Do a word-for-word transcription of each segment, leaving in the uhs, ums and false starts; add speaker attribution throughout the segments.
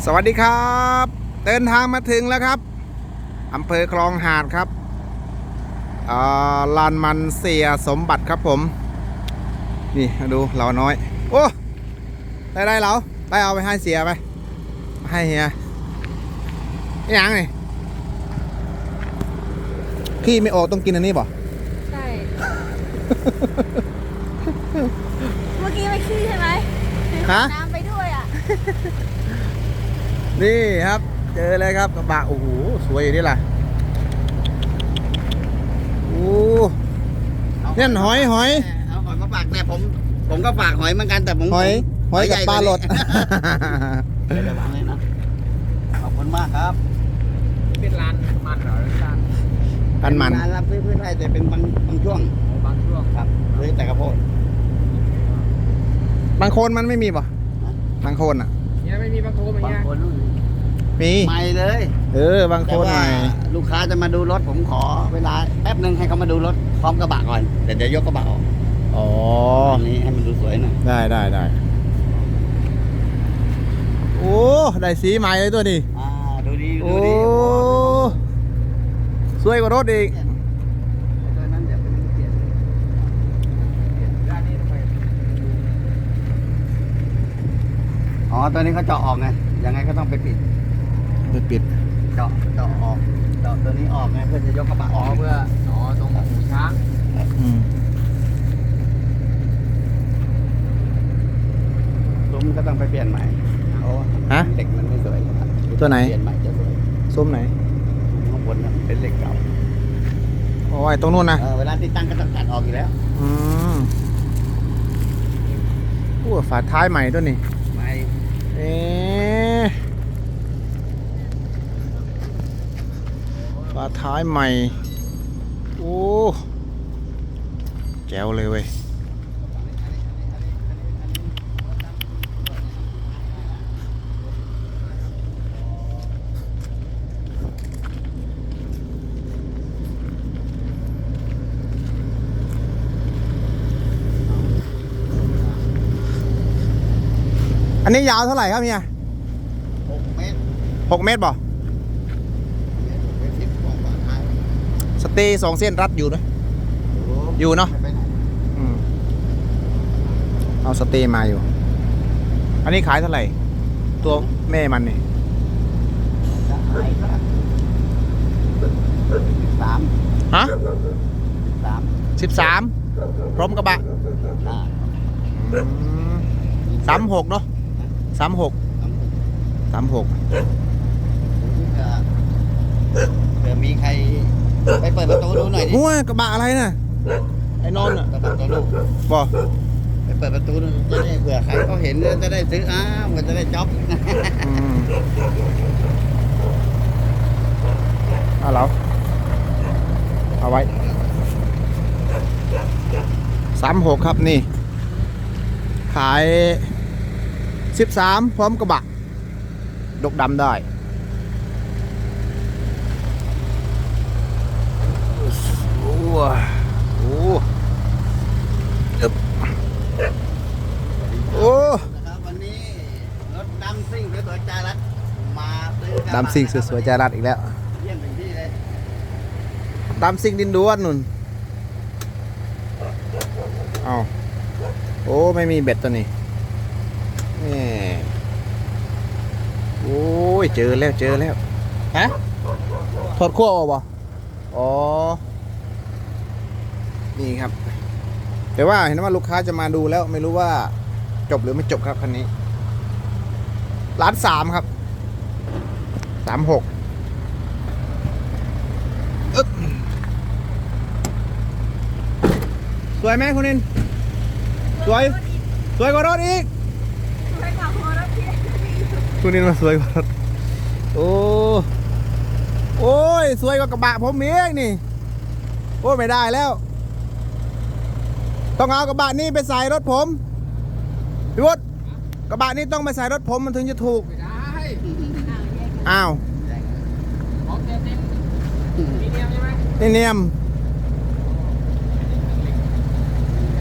Speaker 1: สวัสดีครับเดินทางมาถึงแล้วครับอำเภอคลองหาดครับลานมันเสียสมบัติครับผมนี่ดูเราน้อยโอ้ได้ได้เราได้เอาไปให้เสียไปให้เฮียนี่ยังนี่ขี้ไม่ออกต้องกินอันนี้ป่ะ
Speaker 2: ใช่ เมื่อกี้ไม่ขี้ใช่ไหมฮะน้ำไปด้วยอ่ะ
Speaker 1: นี่ครับเจอเลยครับกระบะโอ้โหสวยอยู่นี่ล่ะโอ้เนี่ยหอยหอย
Speaker 3: เอาหอยมาฝากแต่ผมผมก็ฝากหอยเหมือนกันแต่ผม
Speaker 1: หอยหอยกับปลาหลด
Speaker 3: เดี๋ยววางเลยนะขอบคุณมากครับ
Speaker 4: เป็นร้านมันเหรอร้าน
Speaker 1: ร้านมัน
Speaker 3: ร้านรับซื้อพืชไร่แต่เป็นบางบางช่วง
Speaker 4: บางช่วง
Speaker 3: ครับเลยแต่กระโพด
Speaker 1: บางโคนมันไม่มีป่ะบางโคนอ่ะ
Speaker 4: เนี่ยไม่มีบางโคนอย่างเงี้ย
Speaker 1: มี
Speaker 3: ใหม่เลย
Speaker 1: เออบางโคนใหม่
Speaker 3: ลูกค้าจะมาดูรถผมขอเวลาแป๊บนึงให้เขามาดูรถพร้อมกระบะก่อนเดี๋ยวเดี๋ยวยกกระบะออก
Speaker 1: อ๋อ
Speaker 3: อันนี้ให้มันดูสวยหน่อย
Speaker 1: ได้ได้ได้โอ้ได้สีใหม่เลยตัวนี้
Speaker 3: อ่าดูดีดูดี
Speaker 1: โอ้สวยกว่ารถอีก
Speaker 3: ตัวนั้นเดี๋ยวไปเปลี่ยนอ๋อตัวนี้เขาเจาะออกไงยังไงก็ต้องไปปิด
Speaker 1: ไปปิด
Speaker 3: เจาะเจาะออกเจาะตัวนี้ออกไงเพื่อจะยกกระบะออก
Speaker 4: เพื่ออ๋อตรงหูช้าง
Speaker 3: ซุ้มก็ต้องไปเปลี่ยนใหม่เพราะ
Speaker 1: ฮะ
Speaker 3: เหล็กมันไม่สวย
Speaker 1: ตัวไหน
Speaker 3: เปลี่ยนใหม่จะสวย
Speaker 1: ซุ้มไหน
Speaker 3: ข้างบนนะเป็นเหล็กเก่า
Speaker 1: โอ้ยตรงนู้นนะ
Speaker 3: เวลาติดตั้งก็ต้องตัดออกอยู่แล้ว
Speaker 1: อืมโอ้ฝาท้ายใหม่ตัวนี้
Speaker 3: ใหม่
Speaker 1: เอ๊ะฝาท้ายใหม่โอ้แจ๋วเลยเว้ยอันนี้ยาวเท่าไหร่ครับเนี่ย
Speaker 3: หกเมตร
Speaker 1: หกเมตรบ่สเตย์สองเส้นรัดอยู่นะอยู่เนาะเอาสเตย์มาอยู่อันนี้ขายเท่าไหร่ตัวแม่มันนี่
Speaker 3: สาม
Speaker 1: ฮะ
Speaker 3: สาม
Speaker 1: สิบสามพร้อมกระบะสามหกเนาะสามหกสามหก
Speaker 3: เผื่อมีใครไปเปิดประตูดูหน่อยดิ
Speaker 1: งัวกระบะอะไรน่ะไอ้นอนอ่ะ
Speaker 3: กระบะตัวลูก
Speaker 1: บ่
Speaker 3: ไปเปิดประตูดูจะได้เผื่อใครเขาเห็นจะได้ซื้ออ้าวมันจะได้จ็อบ
Speaker 1: เอาแล้วเอาไว้สามหกครับนี่ขายสิบสามพร้อมกระบะดกดำได้โอ้โหโอ้
Speaker 3: วันนี้รถดำซิ่งสวยๆจารัดมาซื้อ
Speaker 1: ดำซิ่งสวยๆจารัดอีกแล้ว
Speaker 3: เยี่ยมถึงที่เลย
Speaker 1: ดำซิ่งดินด้วนนุ่นเอาโอ้ไม่มีเบ็ดตัวนี้นี่โอ้ยเจอแล้วเจอแล้วฮะถอดขั้วออกบ่อ๋อนี่ครับแต่ว่าเห็นว่าลูกค้าจะมาดูแล้วไม่รู้ว่าจบหรือไม่จบครับคันนี้ล้านสามครับสามหกสวยไหมคุณนินสวยสวยกว่ารถอีกคุณนินมาสวยกว่ารถโอ้โอ้ยสวยกว่ากระบะผมเองนี่โอ้ไม่ได้แล้วต้องเอากระบะนี้ไปใส่รถผมพี่วุฒิกระบะนี้ต้องไปใส่รถผมมันถึงจะถูก
Speaker 4: ไม่ได้
Speaker 1: อ้าว
Speaker 4: ของเต็มเต็มมีเนียมใช่ไหม
Speaker 1: นี่เนียม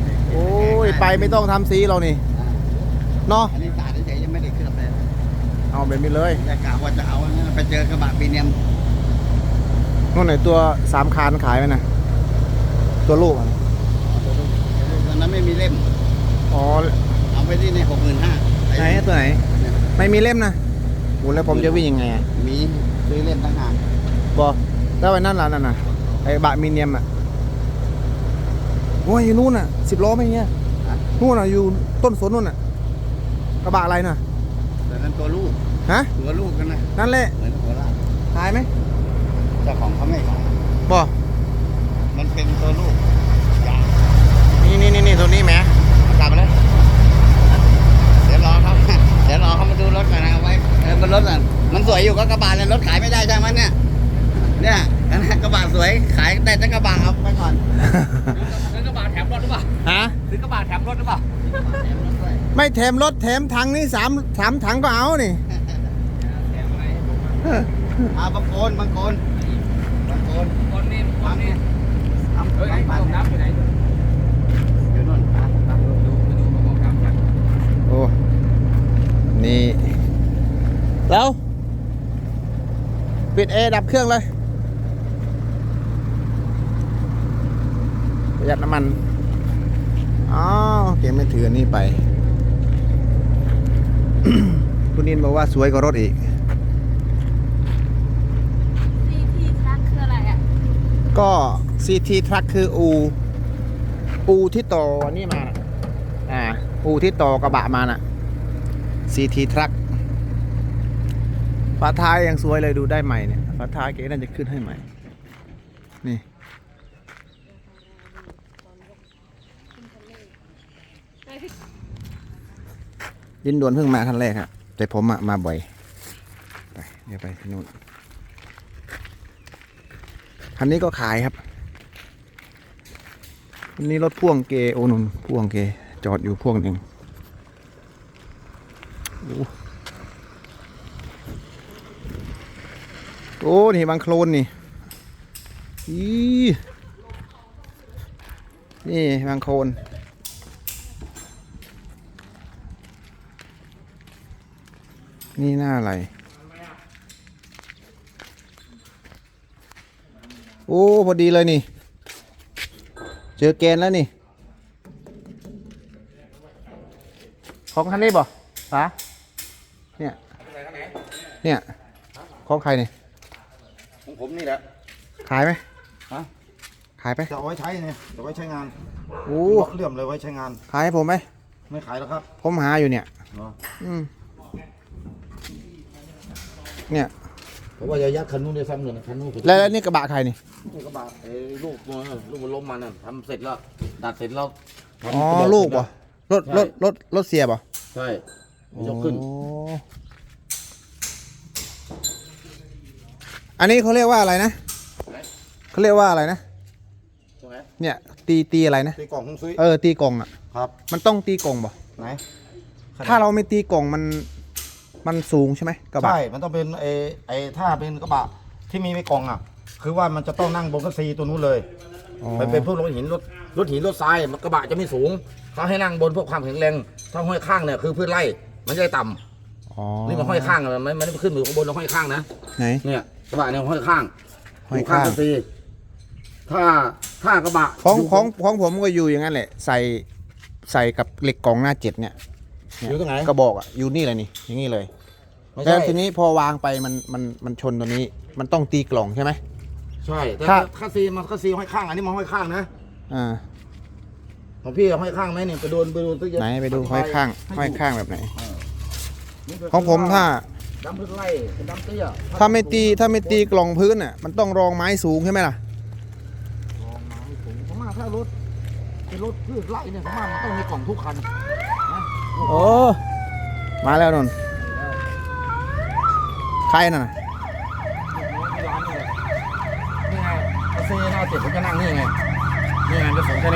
Speaker 1: โอ้ยไปไม่ต้องทำสีเรานี่เนาะ
Speaker 3: อันนี้สาดเฉยๆยังไม่ได้เคลือบเลย
Speaker 1: เอาแบบนี้เลย
Speaker 3: แต่กะว่าจะเอานะไปเจอกระบะพรีเมียม
Speaker 1: นู่นไหนตัวสามคานขายไหมนะตัวลูกอะ
Speaker 3: ตอนนั้นไม่มีเล่ม
Speaker 1: อ๋อ
Speaker 3: เอาไปที่ในหกหมื่นห้า
Speaker 1: ไหนตัวไหน ไม่มีเล่มนะโอ้แล้วผมจะวิ่งยังไงอะ
Speaker 3: มีซื้อเล่มตั้งหาก
Speaker 1: บอกแล้วไอ้นั่นล่ะนั่นน่ะไอ้บะมีเนียมอ่ะโอ้ยอยู่นู่นอ่ะสิบล้อไม่เงี้ยนู่นอ่ะอยู่ต้นสนนู่นอ่ะกระบะอะไรน่ะ
Speaker 3: แต่นั้นตัวลูก
Speaker 1: ฮะ
Speaker 3: ตัวลูกกันนะ
Speaker 1: นั่นแหละ
Speaker 3: เหมือนหัวลาก
Speaker 1: ขายไหม
Speaker 3: เจ้าของเขาไม่ขาย
Speaker 1: บอก
Speaker 3: มันเป็นตัวลูกใหญ่
Speaker 1: นี่นี่นี่นี่ตัวนี้แหมกลับมาเลย
Speaker 3: เดี๋ยวรอเขาเดี๋ยวรอเขามาดูรถก่อนนะเอาไว้เออบนรถอ่ะมันสวยอยู่ก็กระบะเลยรถขายไม่ได้ใช่ไหมเนี่ยเนี่ยอันนั้นกระบะสวยขายแต่จะกระบะเอาไปก่อน
Speaker 4: ซื้อกระบะแถมรถหรือเปล่า
Speaker 1: ฮะ
Speaker 4: ซื้อกระบะแถมรถหรือเปล่า
Speaker 1: ไม่แถมรถแถมถังนี่สามสามถังก็เอานี่
Speaker 4: แถมอะไร
Speaker 3: เอาบางโคนบางโคนบางโคน
Speaker 4: คนนี่คนนี่
Speaker 3: เอา
Speaker 4: เฮ้ยไอ้
Speaker 3: บาง
Speaker 4: กระบอก
Speaker 3: น้
Speaker 4: น้ำอยู่ไหน
Speaker 3: ำอยู่นู่นอ่ะตามดู
Speaker 4: ดูไปดูกระบอกน้ำกัน
Speaker 1: โอ้นี่แล้วปิดแอร์ดับเครื่องเลยประหยัดน้ำมันอ๋อเกมไม่ถืออันนี้ไป คุณนินบอกว่าสวยกว่ารถอีก
Speaker 2: ซีทีทรัคคืออะไรอ่ะ
Speaker 1: ก็ ซี ที Truck คืออูอูที่ต่อนี่มาน่ะอ่าอูที่ต่อกระบะมาน่ะ ซี ที Truck ฝาท้ายยังสวยเลยดูได้ใหม่เนี่ยฝาท้ายเก๋น่าจะขึ้นให้ใหม่นี่ยินด่วนเพิ่งมาคันแรกครับแต่ผมอะมาบ่อยไปเดี๋ยวไปที่นู่นคันนี้ก็ขายครับอันนี้รถพ่วงเกโอนุนพ่วงเกจอดอยู่พ่วงหนึ่งโอ้โอ้นี่บางโคลนนี่อีนี่บางโคลนนี่หน้าอะไรโอ้พอดีเลยนี่เจอแกนแล้วนี่ของคันนี้บ่ป๋าเนี่ยเนี่ยของใครเนี่ย
Speaker 3: ของผมนี่แหละ
Speaker 1: ขายไหม
Speaker 3: ฮะ
Speaker 1: ขายไป
Speaker 5: จะเอาไว้ใช้เนี่ยจะไว้ใช้งาน
Speaker 1: โอ้
Speaker 5: เลื่อมเลยไว้ใช้งาน
Speaker 1: ขายให้ผมไหม
Speaker 5: ไม่ขายแล้วครับ
Speaker 1: ผมหาอยู่เนี่ย
Speaker 5: เหรอ
Speaker 1: อืมเนี่ย
Speaker 5: เพราะว่าจะยัดคันนู้นได้ซ้ำเลยนะคันนู้นผม
Speaker 1: แล้วแล้วนี่กระบะใครนี่
Speaker 5: นี่กระบะไอ้ลูกมันลูกมันล้มมันน่ะทำเสร็จแล้วดัดเสร็จแล้วทำ
Speaker 1: อ๋อ
Speaker 5: ระเบิด
Speaker 1: ลูกป่ะรถ
Speaker 5: ใช่
Speaker 1: รถรถรถเสียป่ะ
Speaker 5: ใช่มันยกขึ้น
Speaker 1: โอ้อันนี้เขาเรียกว่าอะไรนะเขาเรียกว่าอะไรนะ
Speaker 5: ใช่ไหม
Speaker 1: เนี่ยตีตีอะไรนะ
Speaker 5: ตีกล่องคงซุย
Speaker 1: เออตีกล่องอ่ะ
Speaker 5: ครับ
Speaker 1: มันต้องตีกล่องป่ะ
Speaker 5: ไหน
Speaker 1: ถ้าเราไม่ตีกล่องมันมันสูงใช่ไหมกระบะ
Speaker 5: ใช่มันต้องเป็นไอ้ไอ้ถ้าเป็นกระบะที่มีไม่กล่องอ่ะ คือว่ามันจะต้องนั่งบนกระซีตัวนู้นเลย
Speaker 1: อ๋อ
Speaker 5: มันเป็นพวกรถหินรถรถหินรถทรายมันกระบะจะไม่สูงเขาให้นั่งบนพวกความแข็งแรงถ้าห้อยข้างเนี่ยคือพื้นไร่มันจะได้ต่ำ
Speaker 1: อ๋อ
Speaker 5: นี่มันห้อยข้างอะมันมันไม่ได้ขึ้นอยู่ข้างบนเราห้อยข้างนะ
Speaker 1: ไหน
Speaker 5: เนี่ยกระบะเนี่ยห้อยข้าง
Speaker 1: ห้อยข้าง
Speaker 5: กระซีถ้าถ้ากระบะ
Speaker 1: ของ
Speaker 5: ยู่
Speaker 1: ของของผมก็อยู่อย่างนั้นแหละ ใส่ใส่กับเหล็กกล่องหน้าเจ็ดเนี่ย
Speaker 5: อยู่ตรงไหน
Speaker 1: กระบอกอ่ะอยู่นี่เลยนี่อย่างนี้เลย
Speaker 5: ไม่
Speaker 1: แล้
Speaker 5: ใช่
Speaker 1: วทีนี้พอวางไปมันมันมันชนตัวนี้ มันต้องตีกล่องใช่ไหม
Speaker 5: ใช่แต่
Speaker 1: ถ้า
Speaker 5: คาซีมันคาซีห้อยข้างอันนี้มันห้อยข้างนะ
Speaker 1: อ่า
Speaker 5: ของพี่ห้อยข้างไหมนี่ไปดูไปดูตัว
Speaker 1: ไหนไปดูห้อยข้างห้อยข้างแบบไหน
Speaker 5: นี่คื
Speaker 1: ของผมถ้า
Speaker 5: ดำพื้นไร่เป็นดำเตี้ย
Speaker 1: ถ้าไม่ตีถ้าไม่ตีกล่องพื้นอ่ะมันต้องรองไม้สูงใช่ไหมล่ะ
Speaker 5: ลองมาให้ผมผมว่าถ้ารถเป็นรถพืชไร่เนี่ยผมว่ามันต้องมีกล่องทุกคันนะ
Speaker 1: โอ้มาแล้วนนท์ใครน่ะ
Speaker 5: ที่ร้านนี่แหละนี่ไงคาซีหน้าเจ็ดผมจะนั่งนี่ไงนี่ไงจะส่งแค่นี้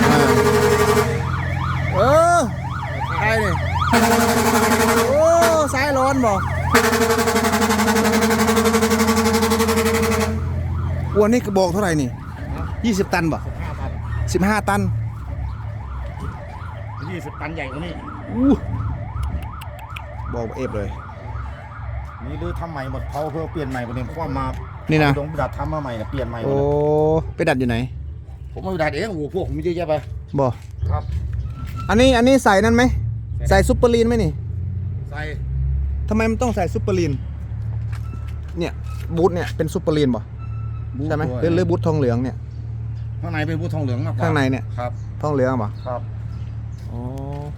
Speaker 1: เออใครนี่โอ้สายร้อนบ่วัวนี่กระบอกเท่าไหร่นี่ยี่สิบตันบ่
Speaker 5: ห้าตัน
Speaker 1: สิบห้าตัน
Speaker 5: ยี่สิบตันใหญ่กว่านี้
Speaker 1: อู้บอกเอฟเลย
Speaker 5: นี่ดื้อทำใหม่หมดเขาเพื่อเปลี่ยนใหม่ประเด็นความมา
Speaker 1: นี่นะ
Speaker 5: ตรงดัดทำมาใหม่นะเปลี่ยนใหม่หม
Speaker 1: โอ้
Speaker 5: ดนะ
Speaker 1: ไปดัดอยู่ไหน
Speaker 5: ผมไม่ดัดเองโอ้โหพวกผมเยอะแยะไป
Speaker 1: บ่
Speaker 5: ครับ
Speaker 1: อันนี้อันนี้ใส่นั่นไหมใส่ซุปเปอร์ลีนไหมนี่
Speaker 5: ใส่
Speaker 1: ทำไมมันต้องใส่ซุปเปอร์ลีนเนี่ยบูทเนี่ยเป็นซุปเปอร์ลีนบ่ใช่ไหมหรือหรือบูททองเหลืองเนี่ย
Speaker 5: ข้างในเป็นบูททองเหลืองมากกว่า
Speaker 1: ข้างในเนี่ย
Speaker 5: ครับ
Speaker 1: ทองเหลืองบ่
Speaker 5: ครับ
Speaker 1: โอ้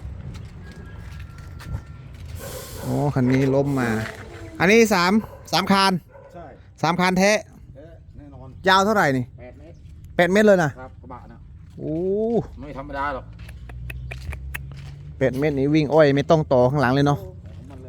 Speaker 1: โอ้คันนี้ล้มมา อันนี้สามสามคาน
Speaker 5: ใช่
Speaker 1: สามคานแท้
Speaker 5: เอ๊ะแน่นอน
Speaker 1: ยาวเท่าไหร่นี่
Speaker 5: แปดเมตร
Speaker 1: แปดเมตรเลยนะครับ
Speaker 5: กระบะนะ
Speaker 1: โอ้
Speaker 5: ไม่ธรรมดาหรอก
Speaker 1: แปดเมตรนี้วิ่งอ้อยไม่ต้องต่อข้างหลังเลยเนาะ
Speaker 5: ของมันเลย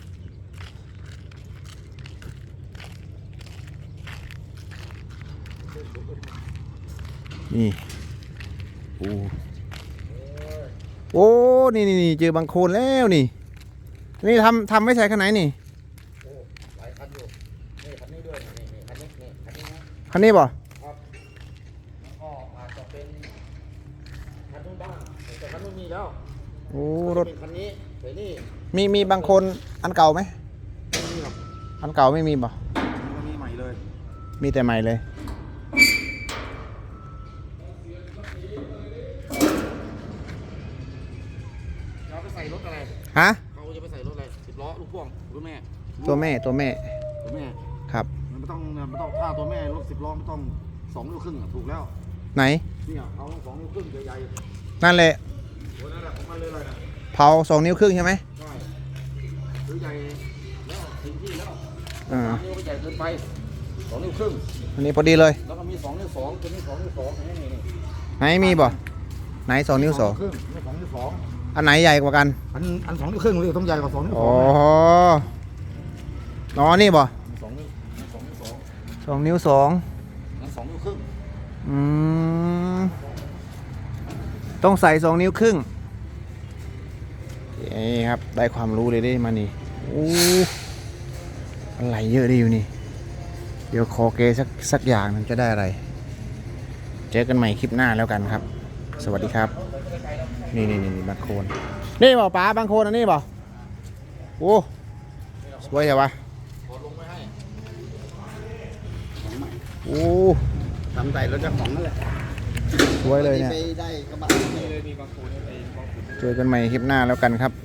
Speaker 1: นี่โอ้โอ้นี่นี่นี่เจอบางโคลนแล้วนี่นี่ทำทำไม่ใส่ข้างไหนนี่
Speaker 5: โอ้หลายคันอยู่นี่คันนี้ด้วยนี่นี่คันนี้นี่คันนี้นะ
Speaker 1: คันนี้บ่
Speaker 5: ครับแล้วก็อาจจะเป็นคันนู้นบ้างแต่คันนู้นมีแล้ว
Speaker 1: โอ้รถ
Speaker 5: เป็นคันนี้แต่นี่
Speaker 1: มีมีบางคนอันเก่าไหม
Speaker 5: ไม่มีหรอก
Speaker 1: อันเก่าไม่มีบ่
Speaker 5: มันมีใหม่เลย
Speaker 1: มีแต่ใหม่เลย
Speaker 5: เราไปใส่รถอะไร
Speaker 1: ฮะ
Speaker 5: เขาจะไปใส่รถอะไรสิบล้อลูกพ่วงรถแม่
Speaker 1: ตัวแม่ตัวแม่
Speaker 5: ตัวแม่
Speaker 1: ครับ
Speaker 5: มันไม่ต้องมันไม่ต้องถ้าตัวแม่รถสิบล้อไม่ต้องสองนิ้วครึ่งอะถูกแล้ว
Speaker 1: ไหน
Speaker 5: เนี่ยเอาสองนิ้วครึ่งใหญ่
Speaker 1: นั่นแหละ
Speaker 5: ๆตัวนั้นแหละของมันเลยเลยนะ
Speaker 1: เผาสองนิ้วครึ่งใช่ไหม
Speaker 5: ใช่หรือใหญ่แล้วถึงที่แล้ว
Speaker 1: อ่า
Speaker 5: สามนิ้วก็ใหญ่เกินไปสองนิ้วครึ่ง
Speaker 1: อันนี้พอดีเลย
Speaker 5: แล้วก็มีสองนิ้วสองตัวนี้สองนิ้วสองนี่นี่นี่
Speaker 1: ไหนมีบ่ไหนสองนิ้วสอง
Speaker 5: ครึ่งนี่สองนิ้วสอง
Speaker 1: อันไหนใหญ่กว่ากัน
Speaker 5: อันอันสองนิ้วครึ่งเลยต้องใหญ่กว่าสองนิ้วส
Speaker 1: อ๋
Speaker 5: อ
Speaker 1: อง อ๋อนี่บ่
Speaker 5: สองนิ้วสองนิ้วสอง
Speaker 1: สองนิ้วสอง
Speaker 5: นั่นสองนิ้วครึ่ง
Speaker 1: อืมต้องใส่สองนิ้วครึ่งนี่ครับได้ความรู้เลยได้มานี่โอ้อะไรเยอะดีอยู่นี่เดี๋ยวขอเกสักสักอย่างหนึงจะได้อะไร เจอกันใหม่คลิปหน้าแล้วกันครับ สวัสดีครับ นี่นี่นี่บางโคนนี่บ่ป๋าบางโคนอันนี้บ่โอ้สวยใช่ปะ
Speaker 5: กดลงไว้ให้
Speaker 1: โอ้
Speaker 3: ทำใส่รถเจ้าของนั่นแหละ
Speaker 1: สวยเลยเนี่ย
Speaker 3: ไปได้กระบะ
Speaker 4: นี่เลยมีบางคนไอ้บางคน
Speaker 1: เจอกันใหม่คลิปหน้าแล้วกันครับ